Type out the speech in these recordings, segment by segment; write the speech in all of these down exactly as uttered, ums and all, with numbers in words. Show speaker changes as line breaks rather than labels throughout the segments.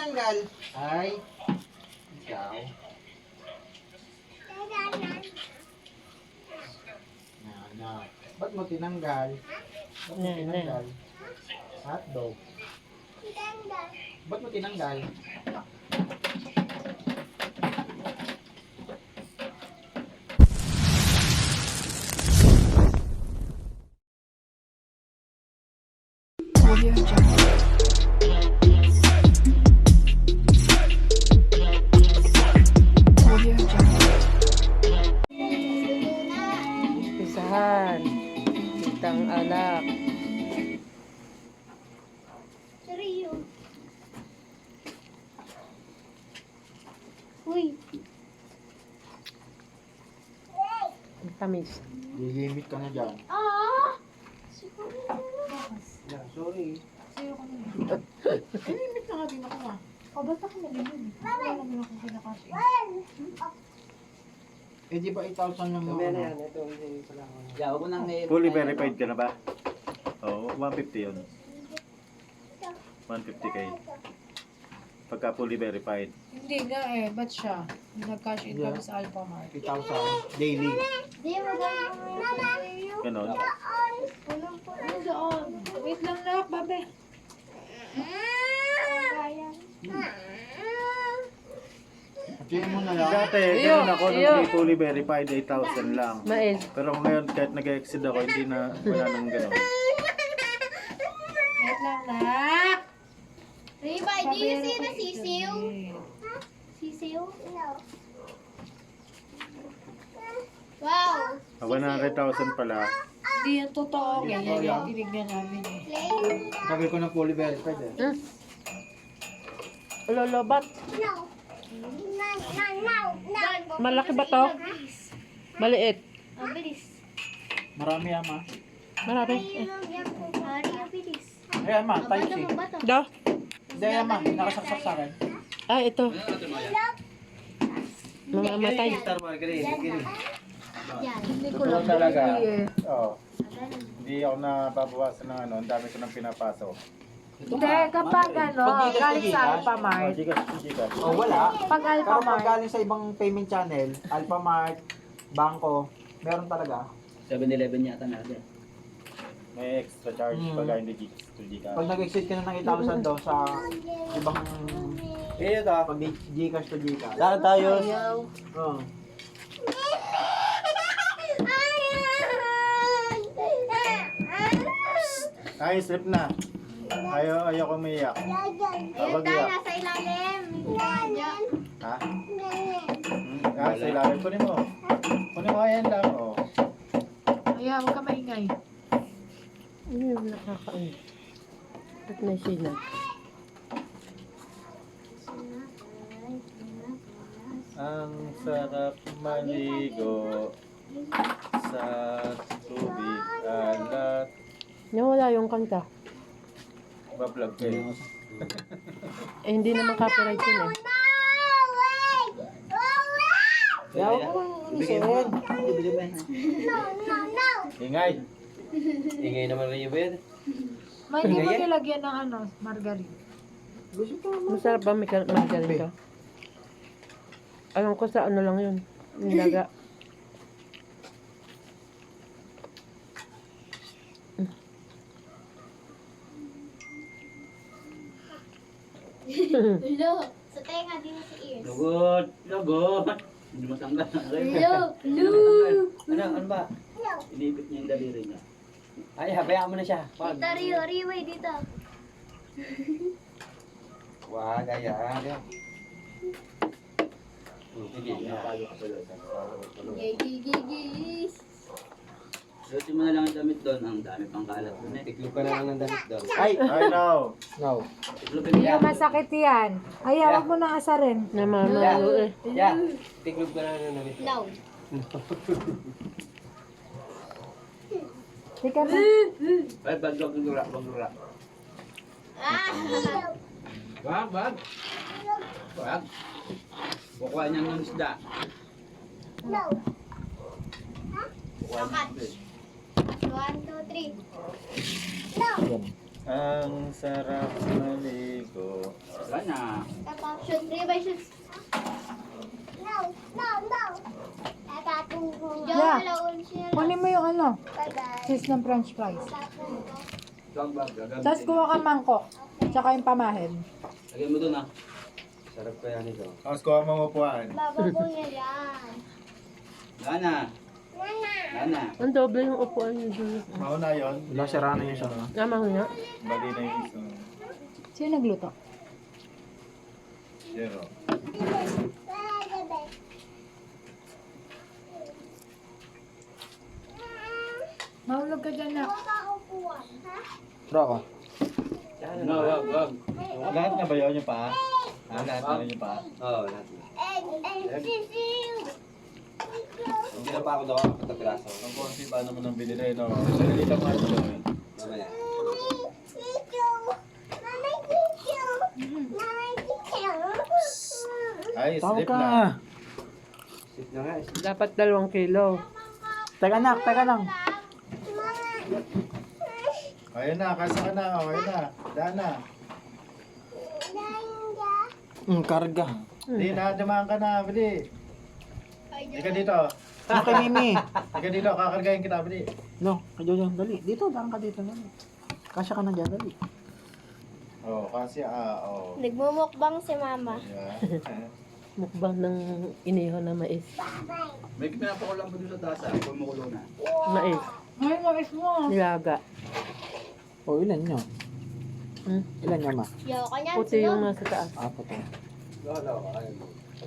tinanggal? Ay, ikaw. Na, na. Ba't mo tinanggal? Ba't mo tinanggal? Hotdog. Ba't mo tinanggal?
Audio Jungle. Audio Jungle.
Pisahan. Kitang alak.
Seryo. Uy.
Ang tamis.
Lilimit ka na dyan.
Ah!
Yeah, sorry.
Limit na nga din ako nga. O, ba't ako nalimin? Wala naman akong kinakasya.
Eh di ba eight thousand lang yung ano?
Yeah, wag mo nang i-
Fully verified ka na ba? Oo, one fifty yun. one fifty K. Pagka fully verified.
Hindi nga eh, ba't siya? Nag-cash in kami sa Alpha Mart.
eight thousand daily.
Di mo gano'n.
Ganon.
Walang po. Ano doon? Wait lang lang, babe.
Sige mo na lang.
Dati, ganun ako nung
Iyo.
hindi fully verified, eight thousand lang.
Mais.
Pero ngayon, kahit nag-exceed ako, hindi na, wala nang ganon.
Wait lang lang.
Riba, do you see the sisiw? Sisiw? No. Wow.
Ah, one hundred thousand pala.
Hindi yan totoo. Ganyan yan. Tinignan namin eh.
Play?
Sabi ko na fully verified eh.
Hmm? Lolobat.
No. No, no, no, no.
Malaki ba to? Maliit.
Ang bilis.
Marami ama.
Marami.
Ay, Mari, ang bilis.
Eh ama, type
Bato
C.
mo, bato.
Da.
Hindi ama, nakasaksak sa akin.
Ah, ito. Mamamatay.
Yan.
Hindi ko
Totoo
lang
talaga.
eh.
Oo. Hindi ako nababawasan ng ano, ang dami ko nang pinapasok.
Hindi, kapag ano,
Pag Gcash
galing
to
sa
Gcash.
Alpha
Oh,
Mart.
Gcash, Gcash.
Oh, wala.
Pag Alpha
Pero pag
Mart,
galing sa ibang payment channel, Alphamart, Bangko, meron talaga.
seven eleven yata natin.
May extra charge
Hmm.
pagka hindi Gcash to Gcash.
Pag nag-exceed ka na ng eight thousand daw sa ibang
Eh, ito.
pag Gcash to Gcash.
Saan tayo?
Oh.
Ay, slip na. Ayaw, ayaw ko umiyak.
Ayun
Kapag
tayo,
iyak.
nasa ilalim. Yan.
Ha? Hmm, ah, sa ilalim. Kunin mo. Kunin mo, ayan lang. Oh.
ayan, huwag ka maingay.
Ano yung nakakain? At may sinat.
Ang sarap maligo sa tubig alat.
Nawala yung kanta.
Bablog ko eh.
Eh, hindi naman copyright yun eh.
Yaw ko lang
Bigyan mo. Bigyan mo.
No, no, no.
Ingay.
Ingay naman rin yung bed.
May hindi mo nilagyan ng ano, margarine.
Gusto ko mo.
Masarap ba may kal- margarine ka? Alam ko sa ano lang yun. Nilaga.
Hello. Sa tenga, di na sa ears.
Lugod. Lugod. Hindi matanggal.
Hello. Hello.
Ano, ano ba?
Hello.
Inipit niya yung daliri niya. Ay, habayaan mo na siya. Wag.
Dito, Rio. Riway, dito.
Wag, ayan. Sige, napalo ka pala.
Gigigigis.
Suotin mo na lang ang damit doon. Ang dami pang kalat doon eh. Tiklop ka na lang ng damit doon.
Ay,
I know.
no.
Tiklopin mo
Hindi
yan.
masakit yan. Ay, wag mo na asarin.
Namamalo eh.
Yan. Tiklop ka na lang ng damit doon.
No.
Tika na.
Ay, bag, bag, lura, bag, lura.
Ah.
Wag, wag. Wag. Kukuha niya ng isda.
No.
Kukuha niya ng isda.
One, two, three. No.
Ang sarap maligo.
Wala na.
Bye-bye, sis. Diyan,
Yeah.
alaon siya.
Kunin mo yung ano,
Bye-bye.
cheese ng french fries.
Ito ang bag. Gagamitin.
Tapos kuha ka mangkok. Tsaka yung pamahid.
Lagyan mo dun ah. Sarap kaya nito.
Tapos kuha mo upuan.
Bababo niya yan.
Lana. Lana.
Ang doble yung upuan niyo dun.
Mauna yun.
Wala, sira na yung isa.
Tama ko nga.
Bali na yung isa.
Sino nagluto?
Zero.
Mahulog ka dyan na.
Bro ako.
No, wag, wag.
Lahat na ba yun yung paa? Ah, lahat na rin yung paa?
Oo, lahat na. Hindi na pa ako daw ako pagkapiraso.
Ang konti pa naman ang binili, no? Salita mo ito.
Mamaya.
Ay,
Tawag
slip
ka.
na.
Sit na nga. sit.
Dapat dalawang kilo.
Teka nak, teka lang.
Ayun na, kasa ka na. Oh, ayun na. Daan na.
Hmm, karga.
Hindi na, dumaan ka na. Bili. Ika dito.
Ano kay Mimi?
Ika dito, kakargahin kita. Bili.
No, kay Jojo, dali. Dito, daan ka dito. Dali. Kasya ka na dyan, dali.
Oh, kasi ah, oh.
Nagmumukbang si mama.
Yeah.
Mukbang ng iniho na mais.
May pinapakulang mo dun sa tasa. Kumukulo na.
Mais.
Ay, mais mo.
Nilaga.
O, ilan nyo?
Hmm?
Ilan nyo, ma?
Yo, kanya
Puti yung nasa taas.
Apo to.
Wala, wala. Ayun.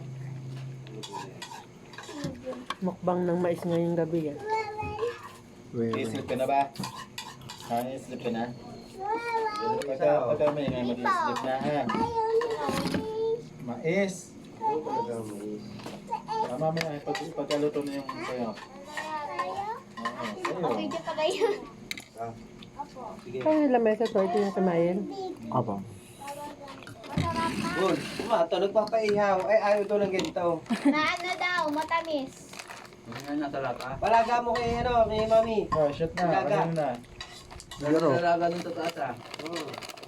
Mukbang ng mais ngayong gabi yan.
I-slip ka na ba? Ha, i-slip ka na? Pagka, pagka may nga mag-i-slip na ha. Mais. Tama mo na, pag, pagkaluto na yung sayo. Oo,
Okay,
sayo.
dyan pa kayo.
Sige.
Kaya lamesa to, ito yung kamayin.
Apo.
Good. Ma, ito nagpapaihaw. Ay, ayaw ito ng ganito.
Na ano daw, matamis.
Ano na talata? Palaga mo kay ano, kay mami.
Oh, shot na.
Ilaga.
Ano na?
Laro.
Nalaga dun sa tasa. Oo.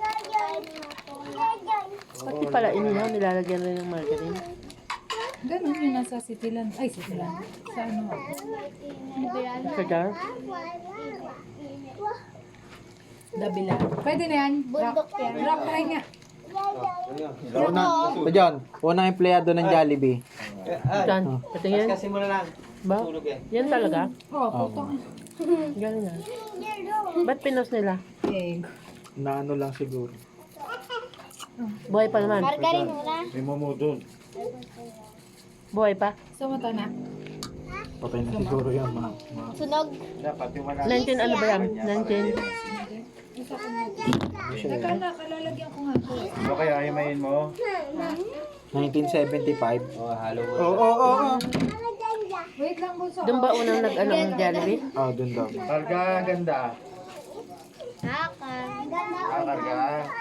Pati pala inihaw, nilalagyan rin ng margarine.
Ganun yung nasa Cityland. Ay, Cityland. Sa ano?
Sa jar.
Dabila. Pwede na yan.
Bundok
Rock,
yan.
rock try nga.
Una, o John, unang empleyado ng Jollibee.
Saan? Patingin.
Kasi mo na lang.
Ba?
Tulog eh.
Yan talaga?
Oh, putong.
Galing na. Ba't pinos nila?
Egg.
Na ano lang siguro.
Buhay pa naman.
Margarine muna.
May momo dun.
Buhay pa.
Sumata na.
Patay na siguro yan, ma. ma.
Sunog.
Dapat yung wala.
nineteen ano ba yan? nineteen?
Teka na, kalalagyan ko nga ito.
O kaya himayin mo.
nineteen seventy-five.
Oh, halo mo.
Oo, oo, oo.
Wait lang po sa...
Doon ba unang nag-ano ng Jollibee?
Ah, dun daw.
Karga, ganda.
Haka.
Kakarga.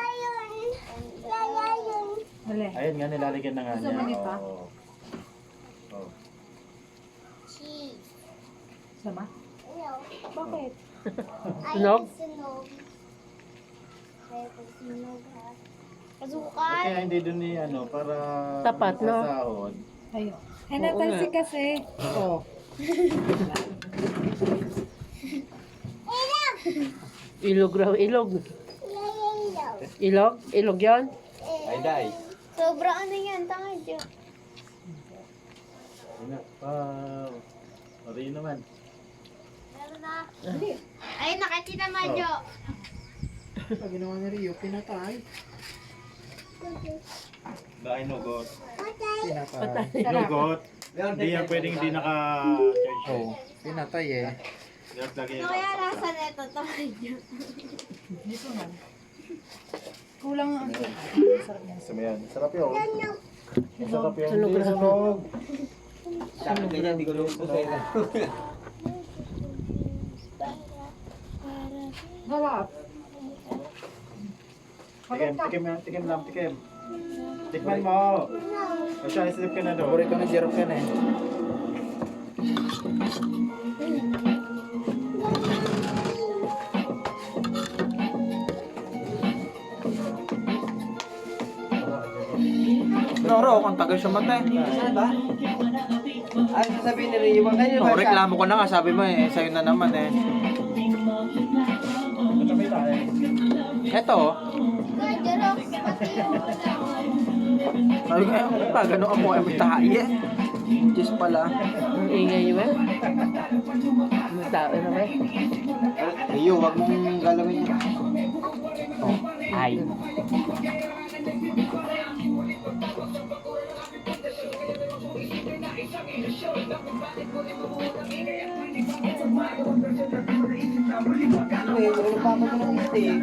Dali.
Ayun nga, nilalagyan na nga
Gusto
niya.
mo nito?
Oo. Oh.
Cheese.
Sama? Bakit?
Sunog?
Sunog. Kaya pag sunog ha.
Ba't
Kasukal.
kaya hindi dun ni ano, para...
Tapat, no?
sasahod?
Ayun. Eh,
Oo
natalsi
nga.
kasi. Oo.
Ilog raw, ilog. Ilog? Ilog yan?
Ay, day.
Sobra ano yan, tanga dyan.
Ayun na. Ah, Mari naman.
Meron na. Ay, nakakita mo, Jo.
Pag ginawa ni Rio, pinatay.
Dahil nugot.
Pinatay.
Nugot. Hindi yan pwedeng hindi naka-charge.
Oo, pinatay eh.
Dapat lagi
Ano kaya nasa neto, tanga dyan.
Dito nga. Kulang ang... Sarap yan.
Gusto mo yan? Sarap yun. Sarap yun.
Sunog
Hindi,
na.
sunog.
Sabi ko niya, hindi ko luto sa'yo.
Harap.
Tikim, tikim, lang, tikim lang, tikim. Tikman mo. O siya, islip ka na doon.
Paborito na Jerome yan eh.
Noro, kung tagal siya matay.
Saan ba? Ay, sasabihin ni Rio, wag ganyan
Oh, reklamo ko na nga, sabi mo eh, sa'yo na naman eh. Eto, oh.
Kuya Jerox, pati yung
Sabi ko, eh, pa, gano'n ako ay may tahi eh. Diyos pala.
Ang ingay niyo ba? May tao na ba?
Rio, wag mong galawin yun. Oh, ay. Ano eh, wala pa ako ng steak.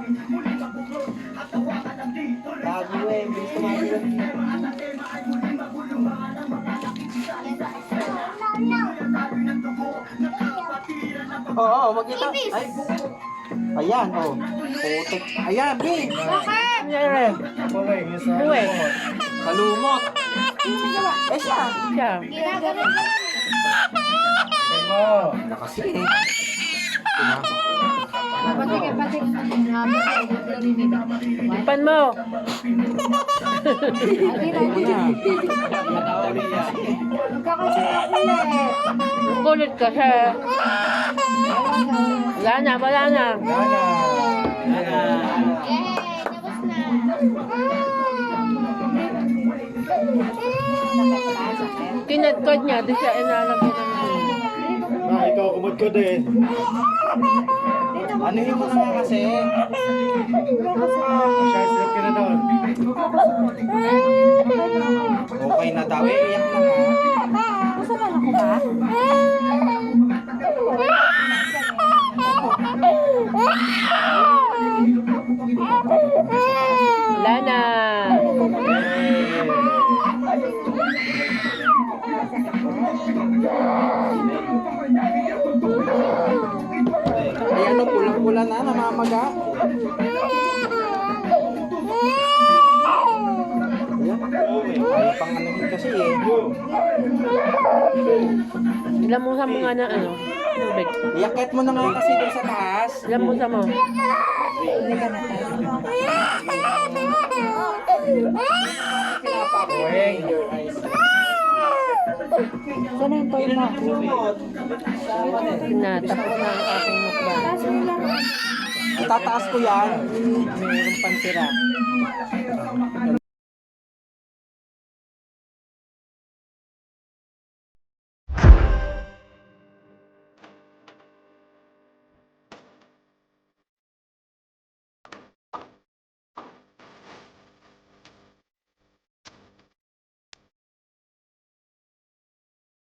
Bago eh, bilis kumain. Oo, oh, magkita. Ay, ayan, oh. Putik. Ayan, B.
Nangyari. Uwe.
Kalumot.
Eh, siya.
Siya.
ginagano.
Na kasi eh. Tina.
Pati ka, pati ka. Nga mo, narinig ako.
Ipan mo.
Adi na, adi na. Magkakasira ko ulit.
Ang kulit ka siya. Wala na, wala na.
Yay! Tapos na.
Kinadkod niya, di siya inalagay ng
Ah, ikaw kumod ko din.
Anuhin mo na nga kasi.
Siya, silip ka na doon.
Okay na daw. Eh, iyak na nga.
Masama na ko ba?
Wala na.
Ayan, oh, pulang-pula na, namamaga. Ayan. Ayaw pang anuhin kasi eh.
Ilamusan mo nga ng ano, tubig.
Iyaket mo na nga kasi doon sa taas.
Ilamusan mo.
Hindi ka na tayo.
Pinapakuhin your eyes.
Sana yung toy mo.
Na, tapos na ang aking mukbang.
Kaso lang.
Tataas ko yan.
Mayroong pantira.